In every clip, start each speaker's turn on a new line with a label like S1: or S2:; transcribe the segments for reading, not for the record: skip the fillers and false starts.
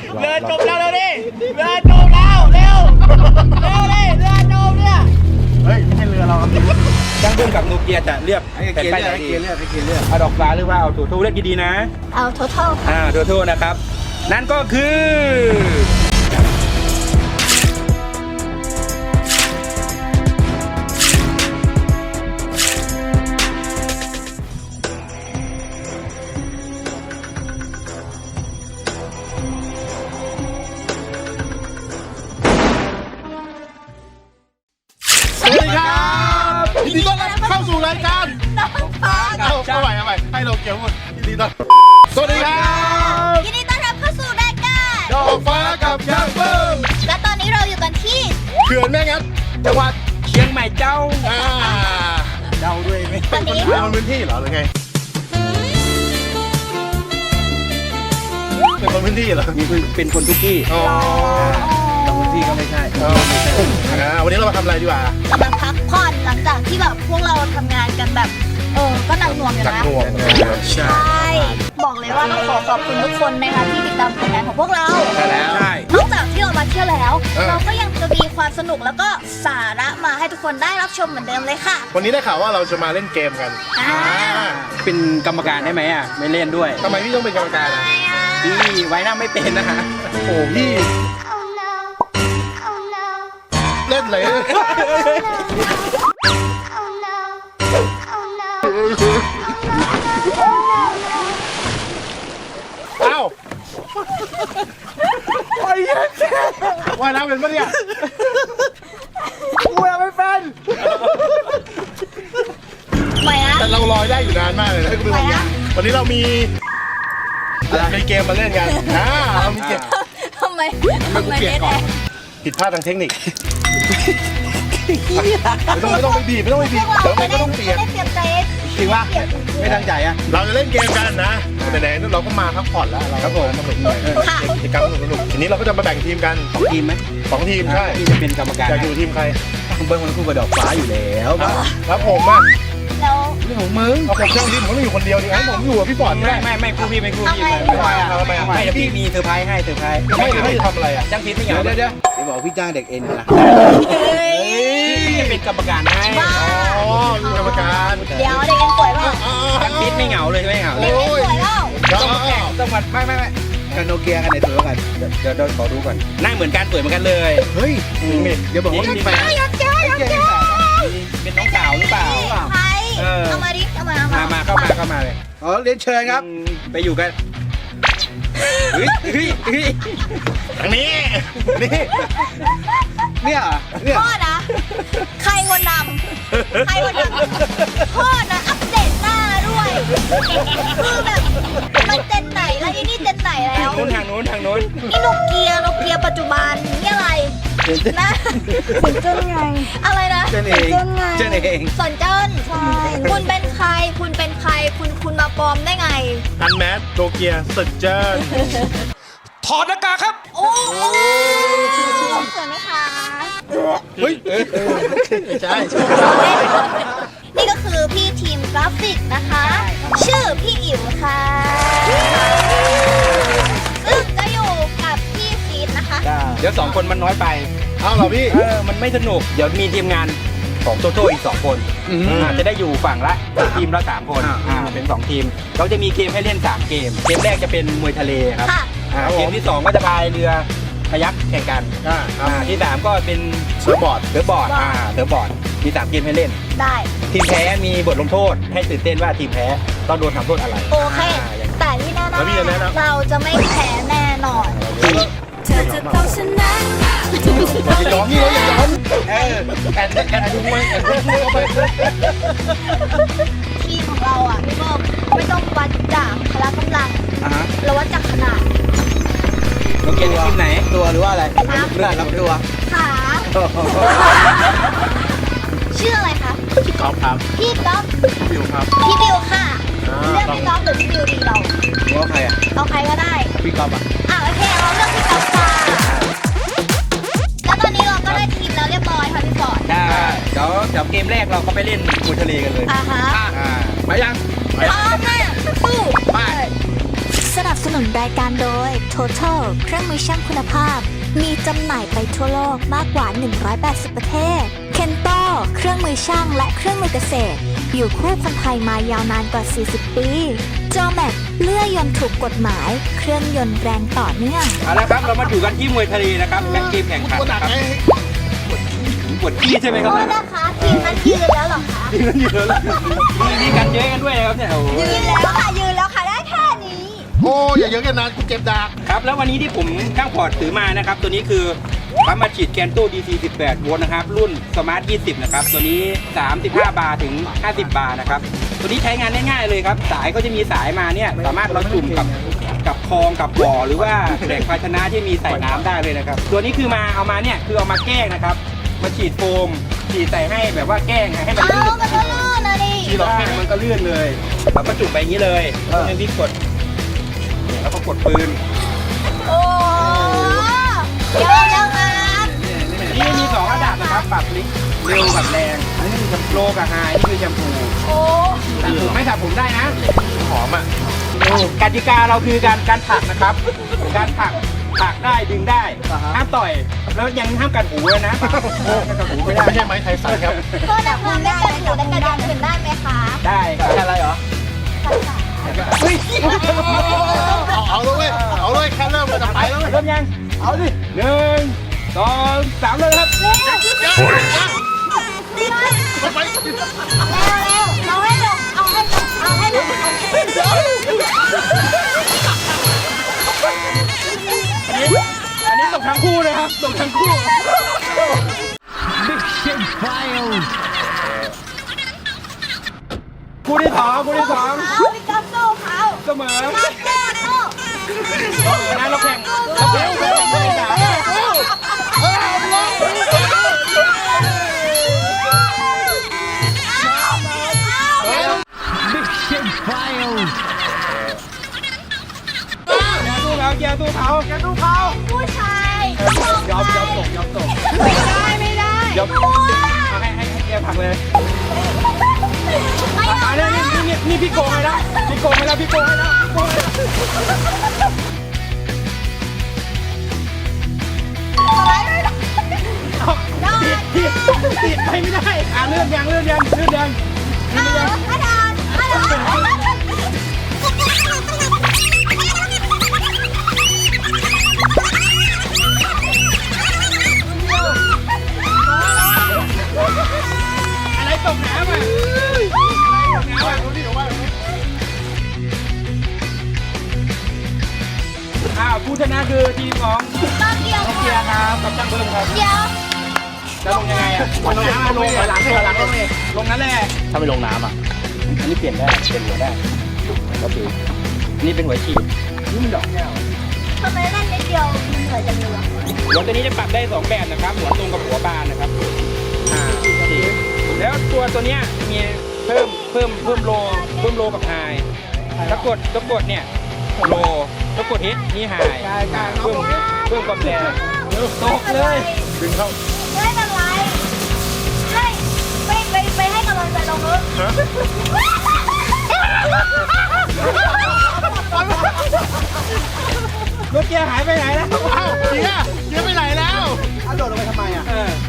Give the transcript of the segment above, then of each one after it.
S1: เรือจมแล้วเร็วดิเรือจมแล้วเร็วดิเรือจมเนี่ยเฮ้ยไม่ใช่เรือเราช่างเบิ้มกับโนเกียจะเลือกแผ่นป้ายไหนดีเอาดอกฟ้าหรือว่าเอาถูเลือกดีๆนะ
S2: เอาtotal
S1: ถูนะครับนั่นก็คือ
S3: ยินดีต้อนรับเข้าสู่รายการ
S2: น้องฟ้า
S3: เอาใหม่ให้เราเกี่ยวหมดยินดีต้อนสวัสดีครับ
S2: ยินดีต้อนรับเข้าสู่รายการ
S3: ดอกฟ้ากับช่างเบิ้ม
S2: และตอนนี้เราอยู่กันที่
S3: เขื่อนแม่งัดจังหวัด
S1: เชียงใหม่เจ้า
S3: เดาด้วยไหมเป็นคนพื้นที่เหรอหรือไงเป็นคนพื้นที่เหรอ
S1: เป็นคนทุกที่พื้นที่ก็ไม่ใช่
S3: วันนี้เรามาทำอะไรดีกว่าก
S2: ำลังพักผ่อนหลังจากที่แบบพวกเราทำงานกันแบบก็หนักหน่วงอยู่นะใช่บอกเลยว่าต้องขอบคุณทุกคนนะคะที่ติดตามผลงานของพวกเรา
S1: ใช่แล้ว
S2: นอกจากที่เรามาเที่ยวแล้วเราก็ยังจะมีความสนุกแล้วก็สาระมาให้ทุกคนได้รับชมเหมือนเดิมเลยค่ะ
S3: วันนี้ได้ข่าวว่าเราจะมาเล่นเกมกัน
S1: เป็นกรรมการได้ไหมไม่เล่นด้วย
S3: ทำไมพี่ต้องเป็นกรรมการ
S1: พี่ไว้หน้าไม่เป็นนะฮะ
S3: โอ้พี่เล่นเลยเอ้าไอ้ยันว่ายน้ำเป็นปะเนี่ยกูยังไม่เป็น
S2: ไม่นะ
S3: แต่เราลอยได้อยู่นานมากเลยนะวันนี้เรามีเกมมาเล่นกันเรามีเกม
S2: ทำไมเล่น
S3: ผิดพลาดทางเทคนิคไม่ต้องไปบีบเดี๋ยวไม่ต้องเปลี่ยน
S1: จริงว่าไม่ตั้งใจอ่ะ
S3: เราจะเล่นเกมกันนะไหนๆเราก็มาพักผ่อนแล้วเราครับผมมากิจกรรมสนุกทีนี้เราก็จะมาแบ่งทีมกัน
S1: 2 ทีมไหม
S3: 2 ทีมใช่
S1: ที่จะเป็นกรรมการ
S3: จะอยู่ทีมใคร
S1: เบิ้งมันคู่กับดอกฟ้าอยู่แล้ว
S3: แล้วผมอ่ะ
S2: แล้ว
S1: เรื่องของมึง
S3: เอาผมช่างทีมผมต้องอยู่คนเดียวดิงั้นผมอยู่กับพี่ปอน
S1: ไม่คู่พี่ไม่คู่พี่ไม่เดี๋ยวพี่มีเซอร์ไพรส์ให้เซอร์ไพรส์
S3: ไม่จะทำอะไรอ่ะ
S1: จ้างพิษไม่เหงา
S4: เดี๋ยวบอกพี่จ้างเด็กเอ็นนะ
S1: พี่จะเป็นกรรมการให้
S3: กรรมการ
S2: เดี๋ยวเด็กเอ็นป่วยป่ะ
S1: จ้างพิษไม่เหงาเลยไม่เหงา
S2: เด็กเอ็นป่วยแล้ว
S1: ต้องมาไม่
S4: กันโนเกียกันไหนตัวกัน
S1: เดี๋ยวขอดูก่อนนั่งเหมือนกันสวยเหมือนกันเลย
S4: เฮ้ยเดี๋ยวบอกว่า
S2: มีแฟนอยากเจอ
S1: เป็นน้องสาวหรือเปล่า
S2: ใครเอามาดิเข้า
S1: มาเลย
S4: เรียนเชิญครับ
S1: ไปอยู่กัน
S3: ทางนี้
S4: เนี่ย
S2: พ่อนะใครคนนำพ่อนะอัปเดตหน้าด้วยคือแบบมันเจนไหนแล้วนี่เจนไหนแล้ว
S1: ทางนู้น
S2: นี่โนเกียปัจจุบันนี่อะไรนะสนเจิ้นไงอะไรนะ
S1: เจิ้นเอง
S2: สนเจิ้นใช่คุณเป็นใครคุณมาปลอมได้ไง
S3: อันแมสโตเกียสนเจิ้น
S1: ถอดหน้ากากครับ
S2: โอ้สวยไหมคะ
S3: เฮ้ยใช่
S2: นี่ก็คือพี่ทีมกราฟิกนะคะชื่อพี่อิ๋วค่ะซึ่งจะอยู่กับพี่ฟีดนะคะ
S1: เดี๋ยว2 คนมันน้อยไป
S3: เอาเหรอพี่
S1: มันไม่สนุกเดี๋ยวมีทีมงานของโจโจ้อีก2 คนจะได้อยู่ฝั่งละทีมละ3 คนเป็น2 ทีมเราจะมีเกมให้เล่น3 เกมแรกจะเป็นมวยทะเลครับเกมที่2ก็จะพายเรือพยักแข่งกันที่3ก็เป็น
S3: เซิร์ฟบอร์ด
S1: มี3 เกมให้เล่น
S2: ได้
S1: ทีมแพ้มีบทลงโทษให้ตื่นเต้นว่าทีมแพ้ต้องโดนทำโทษอะไร
S2: โอเคแต่ที่แน่ๆเราจะไม่แพ้แน่นอนเธอจะต้องชนะ
S3: อย่ายอมแอนดูมวยเข้าไป
S2: ทีมของเราอ่ะพี่เบิ้มไม่ต้องวัดจากพละกำลังเราวัดจากขนาด
S1: เราเกมทีมไหน
S4: ตัวหรือว่าอะไรเลือดรับตัว
S2: ขาชื่ออะไรคะ
S3: พี่ก๊อฟครับ
S2: พี่ก๊อฟ
S3: บิวครับ
S2: พี่บิวค่ะเลือกพี่ก๊อฟหรือพี่บิวดีเรา
S4: ว่าใครอ่ะ
S2: เอาใครก็ได้
S4: พี่ก๊อฟ
S2: โอเคเราเลือกพี่ก๊อฟค่ะแล้วตอนนี้เราก็ได้ทีมแล้วเรียบร้อยค่ะพี่ฟอร์ด
S1: ได้เดี๋ยวเกมแรกเราก็ไปเล่นมวยทะเลกันเลย
S2: ฮะ
S1: ไปยัง
S2: พร้อมนะสู้
S1: ไป
S2: สนับสนุนรายการโดย Total เครื่องมือช่างคุณภาพ มีจำหน่ายไปทั่วโลกมากกว่า 180 ประเทศ Kento เครื่องมือช่างและเครื่องมือเกษตร อยู่คู่คนไทยมายาวนานกว่า 40 ปี Jomax เลื่อยยนต์ถูกกฎหมาย เครื่องยนต์แรงต่อเนื่อง
S1: เอาละครับเรามาอยู่กันที่มวยทะเลนะครับแข่งเกมแข่งขันนะครับปวดขี้ใช่ไหมครับ
S2: โทษนะคะทีมนั้นยืนแล้วเหรอคะ
S1: ยืนเยอะเลยมีกันเยอะกันด้วยนะครับเนี่ยโอ้โห
S2: ยืนแล้วค่ะยืนแล้วค่ะได้แค่นี้
S3: โอ้อย่าเยอะกันนะกูเจ็บดาก
S1: ครับแล้ววันนี้ที่ผมข้างพอร์ตถือมานะครับตัวนี้คือปั๊มมาฉีดแกนโต้ DC 18 โวลต์นะครับรุ่นสมาร์ท 20 นะครับตัวนี้ 35 บาร์ถึง 50 บาร์นะครับตัวนี้ใช้งานง่ายๆเลยครับสายก็จะมีสายมาเนี่ยสามารถเราจุ่มกับคลองกับบ่อหรือว่าแหล่งภาชนะที่มีใส่น้ำได้เลยนะครับตัวนี้คือเอามาเนี่ยคือเอามาแกล้งนะครับมาฉีดโฟมฉีดใส่ให้แบบว่าแกล้งให้มันลื่น
S2: มันก็ลื่นนะดิ
S1: ฉีดเราแกล้งมันก็ลื่นเลยเราก็จุ่มไปอย่างนี้เลยแล้วก็พี่กดเนี่ยแล้วก็กดปืน
S2: โอ้เยอะจังครับ
S1: นี่มี2ระดับนะครับปรับลิกเร็วกับแรงอันนี้คือโลกับไฮนี่คือแชมพู
S2: โอ้
S1: สระผมไม่สระผมได้นะ
S3: หอมอ่ะ
S1: กติกาเราคือการผลักนะครับการผลักได้ดึงได้ห้ามต่อยแล้วยังห้ามกัดหูเลยนะกัดหูไม่ได้
S3: ไม่ใช่ไม้ไทยสันครับ
S2: ก็นะคะไม่กระดูกและกระดองขึ้นได้ไหมคะ
S1: ได้ครับอะไรเหรอเฮ้ย
S3: เอาเลยเอาเลยแค่เริ่มเลยจะไปแล้ว
S1: เริ่มยังเอาดิ1 2 3เลยครับ
S2: เร็วเราให้ลงเอาให้ลง
S1: อันนี้ตกทั้งคู่นะครับตกทั้งคู่คู่ที่สอง
S2: เขาพี่ก๊อฟสู้เขา
S1: เสมอ
S2: สู้
S1: นะเราแข่งคู่ที่สามอย่าสู้เขา
S2: ผู้ชาย
S1: ยอมตก
S2: ไม่ได้
S1: ยอมให้แกผักเลยนี่พี่โกงให้แล้วพี่โกงให้แล้วติดไปไม่ได้เลื่อนยัง
S2: อาดาน
S1: อะไรตกน้ำผู้ชนะคือทีมของเกียร์ครับกับจังเบิ้มครับ
S2: เดี๋ยว
S1: จะลงยังไงลงน้ำลงหลังลงนั่นแหละถ้าไม่ลงน้ำอันนี้เปลี่ยนได้เปลี่ยนหัวได้ก็คือนี่เป็นหัวฉีดนี่มันดอกแก้ว
S2: ทำไมเล่นนิดเดียวมันเหนื่อยจังเลยวะ
S1: หัวตัวนี้จะปรับได้2แบบนะครับหัวตรงกับหัวบานนะครับแล้วตัวเนี้ยมีเพิ่มโลกับไฮถ้ากดเนี่ยโลถ้ากดฮิตนี่ไฮเพิ่มความแรงตกเลยดึงเข้า
S2: ไม่เป็นไรไปให้กำลังใจเราเถอะ
S1: รถเกียร์หายไปไหนแล้ว
S3: อ้าวเกียร์ไปไหนแล้วโดดลงไปทำไมอ่ะ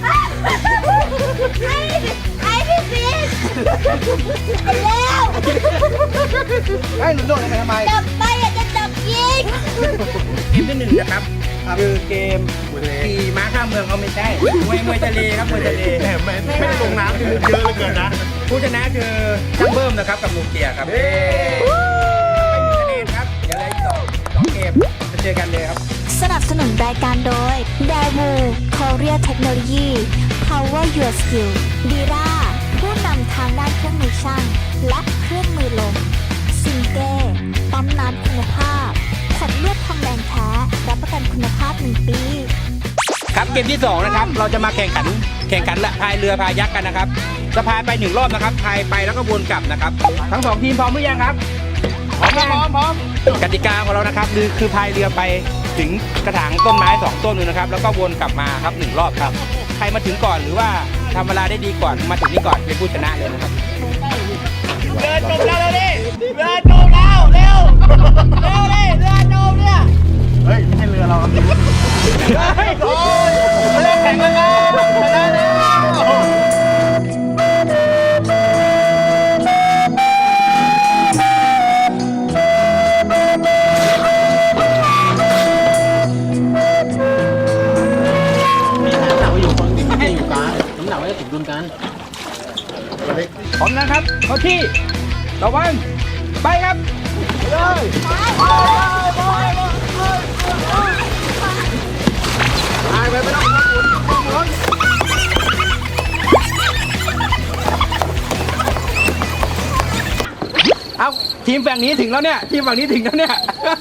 S2: ไอ้พี่ฟิชแล้ว
S3: ให้หนูโดดลงไปทำไม
S2: จับไปอยากจะจับยิง
S1: เกมที่1นะครับคือเกมขี่ม้าข้ามเมืองเขาไม่ใช่มวยทะเลครับมวยทะเล
S3: ไม่ได้ลงน้ำคือเยอะเหลือเกินนะ
S1: ผู้ชนะคือจังเบิ้มนะครับกับโนเกียครับไม่มีคะแนนครับเดี๋ยวเลย2เกมจะเจอกันเลยครับ
S2: สนับสนุนรายการโดย Daewoo Korea Technology Power Your Skill Dira ผู้นำทางด้านเครื่องมือช่างและเครื่องมือลมซิงเก้ปั๊มน้ำคุณภาพขวดเลือดทองแดงแท้รับประกันคุณภาพ1 ปี
S1: ครับเกมที่2นะครับเราจะมาแข่งขันละพายเรือพายักกันนะครับจะพายไป1รอบนะครับพายไปแล้วก็วนกลับนะครับทั้ง2ทีมพร้อมหรือยังครับพร้อมกติกาของเรานะครับคือพายเรือไปถึงกระถางต้นไม้2ต้นนึงนะครับแล้วก็วนกลับมาครับ1รอบครับใครมาถึงก่อนหรือว่าทำเวลาได้ดีก่อนมาถึงนี่ก่อนเป็นผู้ชนะเลยนะครับเรือจมแล้วเร็ว
S4: เราครับ
S3: โอ้ยเล่นแข่งแล้วครับชนะแล้ว
S4: มีน้ำหนักไว้อยู่คนดิ่งที่อยู่กลางน้ำหนักไว้จะถึงดุลกัน
S1: พร้อมนะครับเข้าที่ระวังไปครับเอาทีมฝั่งนี้ถึงแล้วเนี่ยทีมฝั่งนี้ถึงแล้วเนี่ย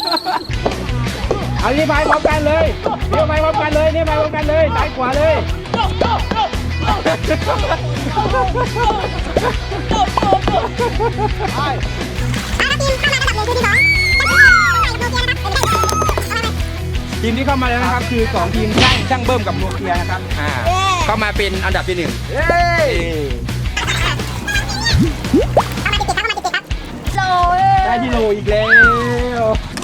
S1: เอานี่ไปพร้อมกันเลยเดี๋ยวไปพร้อมกันเลยนี่ไปพร้อมกันเลยซ้ายขวาเลยทีมที่เข้ามาแล้วนะครับคือ2ทีมช่างเบิ้มกับโนเกียนะครับเข้ามาเป็นอันดับที่1ได้ที่โลอีกแล้ว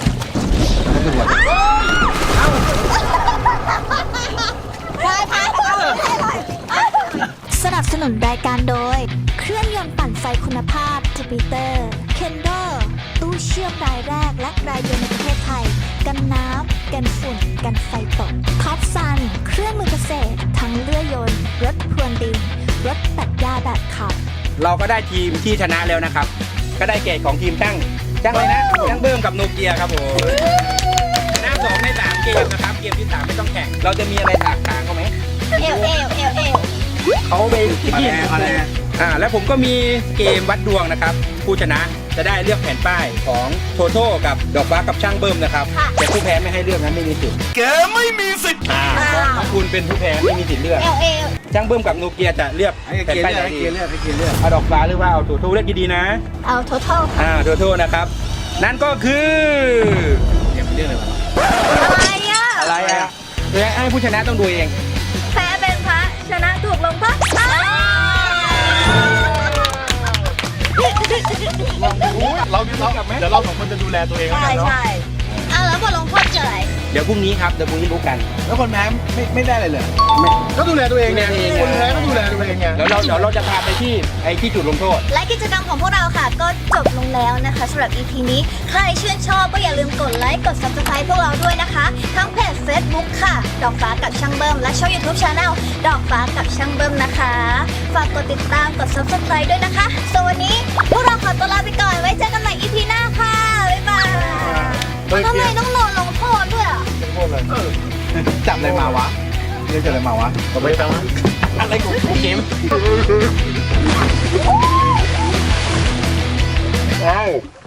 S2: สนับสนุนรายการโดย เครื่องยนต์ปั่นไฟคุณภาพจูปิเตอร์เคนโดตู้เชื่อมรายแรกและรายเดียวในประเทศไทย กันน้ำกันฝุ่นกันไฟตกท็อปซันเครื่องมือเกษตร ทั้งเลื่อยยนต์ รถพรวนดิน รถตัดหญ้าแบบขับ
S1: เราก็ได้ทีมที่ชนะแล้วนะครับก็ได้แก่ของทีมช่างอะไรนะช่างเบิ้มกับโนเกียครับผมชนะ2ใน3เกมนะครับเกมที่3ไม่ต้องแข่งเราจะมีอะไรถากถางเขาไหมเขาไปที่นี่แล้วผมก็มีเกมวัดดวงนะครับผู้ชนะจะได้เลือกแผ่นป้ายของโทโต้กับดอกฟ้ากับช่างเบิ้มนะครับแต่ผู้แพ้ไม่ให้เลือกนะไม่มีสิทธิ์แกไม่มีสิทธิ์ถ้าคุณเป็นผู้แพ้ไม่มีสิทธิ์เลือกช่างเบิ้มกับโนเกียจะเลือกแผ่นป้ายไหนดีเอาดอกฟ้าหรือว่าเอาโทโต้เลือกดีๆนะ
S2: เอาโททอล
S1: โทโต้นะครับนั่นก็คือเรื่องอะไรอะให้ผู้ชนะต้องดูเอง
S2: แพ้เป็นพระชนะถูกลงโทษ
S3: เราเดี๋ยวเรา2คนจะดูแลตัวเองแล้วกันเนาะ
S2: แล้วบทลงโทษเจออะไร
S1: เดี๋ยวพรุ่งนี้ครับเดี๋ยวพรุ่งนี้รู้กัน
S4: แล้วคนแพ้ไม่ได้เลยเหรอ
S3: ก็ดูแลตัวเองไงคนแพ้ก็ดูแลตัวเองไง
S1: เดี๋ยวเราจะพาไปที่จุดลงโทษ
S2: และกิจกรรมของพวกเราค่ะก็จบลงแล้วนะคะสำหรับ EP นี้ใครชื่นชอบก็อย่าลืมกดไลค์กด Subscribe พวกเราด้วยนะคะ ทั้งเพจ Facebook ค่ะ ดอกฟ้ากับช่างเบิ้มและช่อง YouTube Channel ดอกฟ้ากับช่างเบิ้มนะคะ ฝากกดติดตามกด Subscribe ด้วยนะคะส่วนวันนี้พวกเราขอตัวลาไปก่อนไว้เจอกันใหม่ EP หน้าค่ะบ๊ายบายทำไมต้องโดนลงโทษด้วยอ่ะ
S4: จับอะไรมาวะเรียกจับอะไรมาวะ
S3: ต่อไปฟัง
S1: อะไรของเกม